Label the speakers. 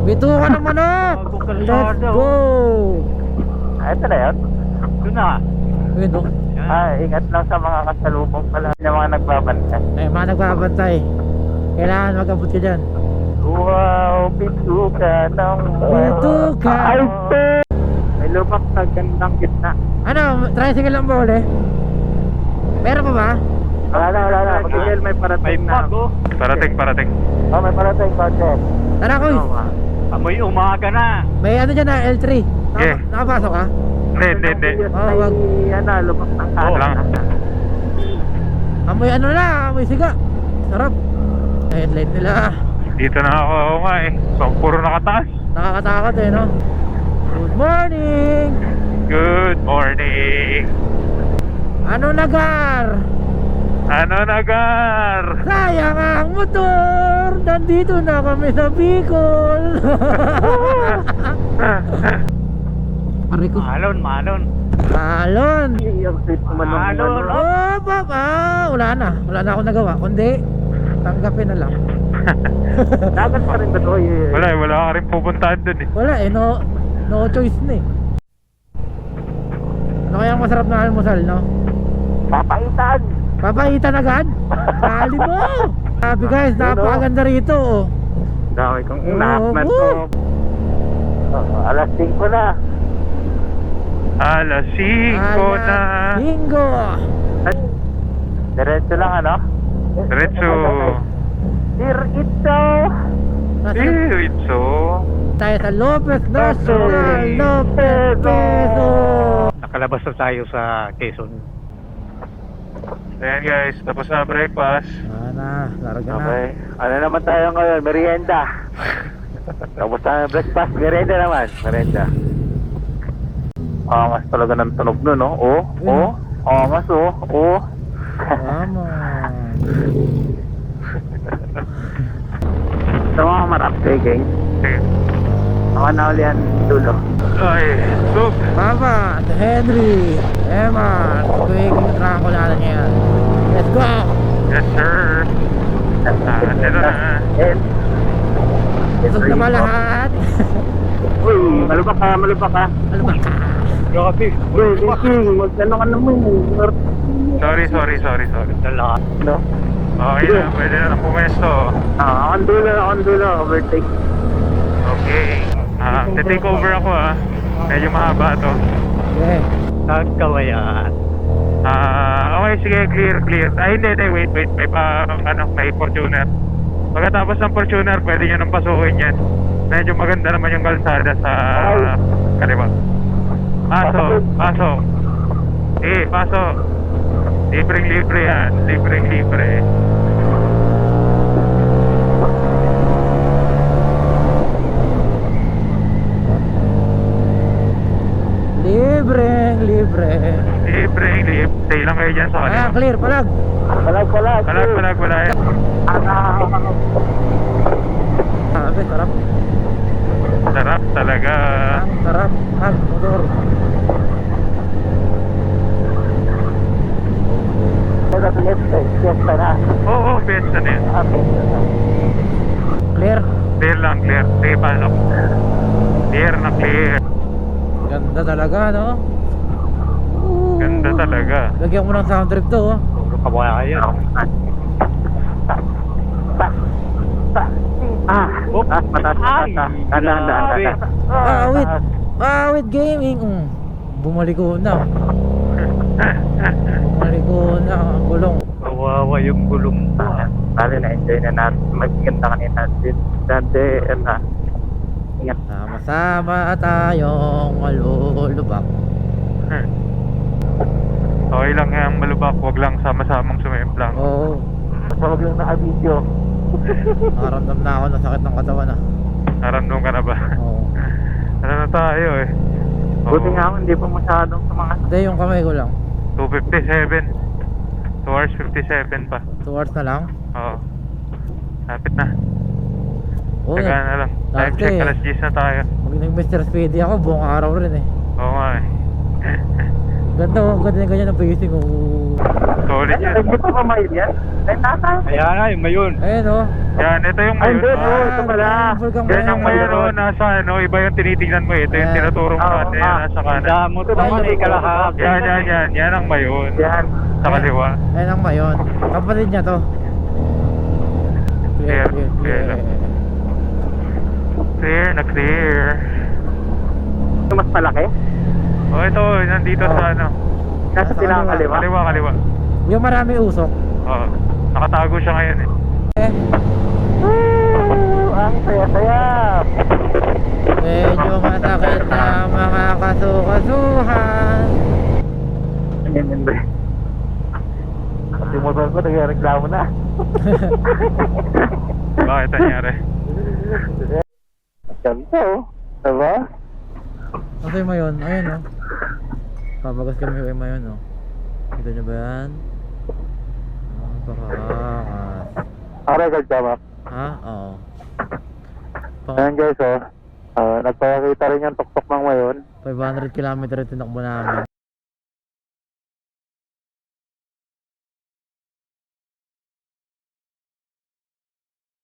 Speaker 1: Bituka ng manok. Let's go.
Speaker 2: Ito na yun?
Speaker 3: Doon na.
Speaker 1: Ayun o.
Speaker 2: Ingat lang sa mga kasalubong pala ng mga nagbabantay.
Speaker 1: Ay, mga nagbabantay. Kailangan mag-abot ka dyan.
Speaker 2: Wow, bituka ng
Speaker 1: Bituka.
Speaker 2: Ay, may lubak na gandang gitna.
Speaker 1: Ano, tricycle lang ba uli? Meron pa ba?
Speaker 2: Wala na. Miguel, may parating na.
Speaker 3: Parating.
Speaker 2: Oh, may parating, Patrick.
Speaker 1: Tara, Kuy.
Speaker 3: Amoy umaga na.
Speaker 1: May ano dyan na, L3.
Speaker 3: Yeah.
Speaker 1: Nakapasok ka?
Speaker 3: Hindi.
Speaker 2: Wag. Lubak ng
Speaker 3: Oo lang.
Speaker 1: Amoy ano na, amoy siga. Sarap. Headlight nila.
Speaker 3: Dito na ako nga eh. So, puro nakataas.
Speaker 1: Nakakatakot eh, no? Good morning!
Speaker 3: Good morning.
Speaker 1: Ano nagar?
Speaker 3: Ano nagar?
Speaker 1: Sayang ang motor! Nandito na kami sa Bicol! Pare ko.
Speaker 3: Malon.
Speaker 1: Alon!
Speaker 2: Yung sweet naman ng
Speaker 3: Alon,
Speaker 2: ano.
Speaker 1: Oh, papa! Wala na akong nagawa. Kundi, tanggapin na lang.
Speaker 2: Dagat pa rin ba ito?
Speaker 3: Wala ka rin pupuntahan dun eh.
Speaker 1: Wala eh, no choice na eh. Ano kaya ang masarap na almusal, no?
Speaker 2: Papaitan!
Speaker 1: Papaitan agad? Kali mo! Sabi guys, napakaganda rito oh.
Speaker 2: Dami kong
Speaker 1: Oh,
Speaker 2: inaakmat ko. Alas 5 na.
Speaker 3: Alas 5 na.
Speaker 1: Bingo!
Speaker 2: Diretso lang ano?
Speaker 3: Diretso.
Speaker 2: Diretso!
Speaker 3: Diretso.
Speaker 1: Tayo sa Lopez National Lopez Peso.
Speaker 3: Nakalabas na tayo sa Quezon. Ayan guys, tapos na breakfast.
Speaker 1: Larga na.
Speaker 2: Okay. Ano naman tayo ngayon? Merienda. Tapos na breakfast. Merienda naman. Merienda. Angas talaga ng tunog nun, no? Angas,
Speaker 1: Tama.
Speaker 2: Ito mga marap, gang.
Speaker 3: Sige.
Speaker 2: Ako na uli yan dulo.
Speaker 3: Ay, look.
Speaker 1: Papa, si Henry, Emma, quick yung trangko natin yan. Let's go!
Speaker 3: Yes sir. Ito na.
Speaker 1: Busog na ba lahat?
Speaker 2: Uy, malubak ka.
Speaker 1: Ano ba?
Speaker 3: Grabe.
Speaker 2: Uy, King, magkano ka naman.
Speaker 3: Sorry.
Speaker 2: Dala. No?
Speaker 3: Okay na, pwede na pumesto.
Speaker 2: Akong dulo. Overtake.
Speaker 3: Okay. Take over ako Medyo mahaba to.
Speaker 1: Okay.
Speaker 3: Nagkawayan. Okay, sige, clear. Ay, hindi, wait. May Fortuner. Pagkatapos ng Fortuner, pwede nyo nang pasukin yan. Medyo maganda naman yung kalsada sa kaliwa. Pasok. Pasok. Libreng-libre yan. Libreng-libre.
Speaker 1: Libre.
Speaker 3: Libreng-libre. Stay lang kayo dyan sa kaliwa.
Speaker 1: Clear, palag.
Speaker 3: Palag.
Speaker 1: Sarap.
Speaker 3: Sarap talaga.
Speaker 1: Ang sarap. Motor.
Speaker 2: Fiesta na.
Speaker 3: Oo, fiesta na yan.
Speaker 1: Clear.
Speaker 3: Clear lang. Sige, pasok. Clear.
Speaker 1: Ganda talaga, no?
Speaker 3: Ganda talaga.
Speaker 1: Lagyan mo ng sound trip to, oh.
Speaker 3: Puro kabayan.
Speaker 2: Mataas.
Speaker 1: Awit gaming. Bumaliko na. Ang gulong.
Speaker 3: Kawawa yung gulong mo.
Speaker 2: Bali na-enjoy na natin. Magaganda kanina. Dante, ingat.
Speaker 1: Sama-sama tayong malulubak.
Speaker 3: Okay lang yan, malubak. Huwag lang sama-samang sumimplang.
Speaker 1: Oo.
Speaker 2: Huwag lang naka-video.
Speaker 1: Nakaramdam na ako ng sakit ng katawan, ah.
Speaker 3: Naramdam ka na ba?
Speaker 1: Oo.
Speaker 3: Ano na tayo eh?
Speaker 2: Buti nga ako, hindi pa masyadong sa mga...
Speaker 1: Hindi, yung kamay ko lang.
Speaker 3: 2:57. 2 hours 57 pa.
Speaker 1: 2 hours na lang.
Speaker 3: Oo. Lapit na.
Speaker 1: Oo.
Speaker 3: Taga na lang. Time
Speaker 1: Dati,
Speaker 3: check, alas 10 na tayo.
Speaker 1: Mag nag Mr. Speedy ako, buong araw rin eh.
Speaker 3: Oo nga eh.
Speaker 1: Ganda oh, ganda yung ganyan ang pacing oh.
Speaker 3: Solid yan.
Speaker 2: Hindi pa mail yan? Ay, nasa?
Speaker 4: Kaya nga, yung mayon.
Speaker 1: Ayun oh.
Speaker 3: Yan, ito yung
Speaker 2: Ay,
Speaker 3: mayon.
Speaker 2: hindi, oh, ito pala.
Speaker 3: Yan yung mayon, oh, nasa ano, iba yung tinitingnan mo. Ito yung
Speaker 1: Ayan.
Speaker 3: tinuturo mo natin, yan, nasa kanan.
Speaker 4: Kaya mo ito naman ay kalahap.
Speaker 3: Yan ang mayon.
Speaker 2: Yan.
Speaker 3: Sa kaliwa.
Speaker 1: Ayun ang mayon. Kapatid niya to.
Speaker 3: Clear, clear lang. Clear na clear.
Speaker 2: Ito mas malaki?
Speaker 3: Oh, ito, nandito sa ano.
Speaker 2: Nasa
Speaker 1: Nasa
Speaker 2: pinakakaliwa?
Speaker 3: Kaliwa.
Speaker 1: Yung marami usok.
Speaker 3: Oo. Nakatago siya ngayon eh.
Speaker 2: Woo! Ang saya-saya!
Speaker 1: Medyo masakit na mga kasukasuhan.
Speaker 2: Ayan, hindi. Kasi motor ko, nagreklamo na.
Speaker 3: Bakit nangyari?
Speaker 2: Ganda oh. Diba?
Speaker 1: Ano yung mayon? Ayun oh. Pabagas kami yung mayon oh. Kita nyo ba yan? Napakakas.
Speaker 2: Record ka, Mac.
Speaker 1: Ha? Oo.
Speaker 2: Ayan guys oh. Nagpakita rin yung tuktok ng mayon.
Speaker 1: 500 km tinakbo namin.